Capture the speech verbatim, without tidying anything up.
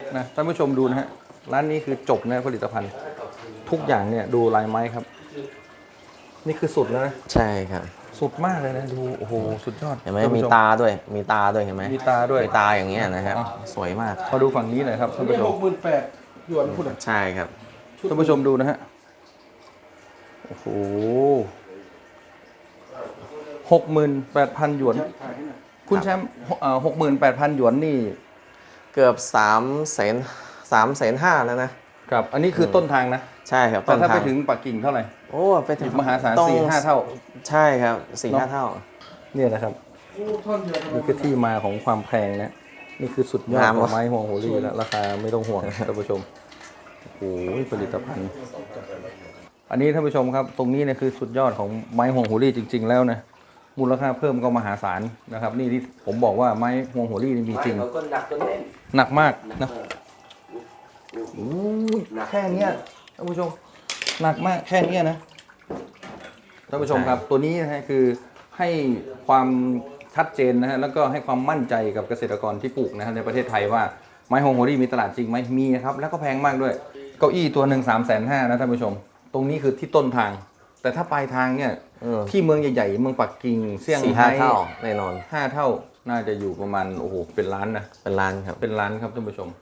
นะท่านผู้ชมดูนะฮะร้านนี้คือจบนะผลิตภัณฑ์ทุกอย่างเนี่ยดูลายไม้ครับนี่คือสุดแล้วนะใช่ครับสุดมากเลยนะดูโอ้โหสุดยอดเห็นไหมท่นมีผู้ชตาด้วยมีตาด้วยเห็นไหมมีตาด้วยมีตาอย่างเงี้ยนะครับอ่ะสวยมากมาดูฝั่งนี้หน่อยครับท่านนี่ผู้ชหมกหมื่นแปดหยวนคุณใช่ครับท่านผู้ชมดูนะฮะโอ้โหหกหมื่นแปดพันหยวนคุณแชมป์หกหมื่นแปดพันหยวนนี่เกือบสามแสนสามแสนห้าแล้วนะครับอันนี้คือต้นทางนะใช่ครับแต่ถ้าทไปงถึงปักกิ่งเท่าไหร่โอ้ไปถึงมหาศาลต้องสี่ห้าเท่าใช่ครับสี่เนอะห้าเท่าเนี่ยนะครับท่อนเดียวนี่คือที่มาของความแพงนะนี่คือสุดยอดของไม้ห่วงโฮลี่แล้วราคาไม่ต้องห่วง ท่านผู้ชมโอ้โหผลิตภัณฑ์ อันนี้ท่านผู้ชมครับ ตรงนี้เนี่ยคือสุดยอดของไม้ห่วงโฮลี่จริง ๆ แล้วนะมูลค่าเพิ่มก็มหาศาลนะครับ นี่ที่ผมบอกว่าไม้ห่วงโฮลี่นี่มีจริงก็หนักจนเล่นหนักมากนะโอ้ยแค่เนี้ยท่านผู้ชมหนักมากแค่เนี้ยนะท่านผู้ชมครับ ตัวนี้นะฮะคือให้ความชัดเจนนะฮะแล้วก็ให้ความมั่นใจกับเกษตรกรที่ปลูกนะฮะในประเทศไทยว่าไม้ฮงโฮลี่มีตลาดจริงไหมมีนะครับแล้วก็แพงมากด้วยเก้าอี้ตัวหนึ่งสามแสนห้านะท่านผู้ชม ตรงนี้คือที่ต้นทาง แต่ถ้าปลายทางเนี่ยเออที่เมืองใหญ่ๆเมืองปักกิ่งเซี่ยงสี่ไฮ้ห้าเท่าแน่นอนห้าเท่าน่าจะอยู่ประมาณโอ้โหเป็นล้านนะเป็นล้านครับเป็นล้านครับท่านผู้ชม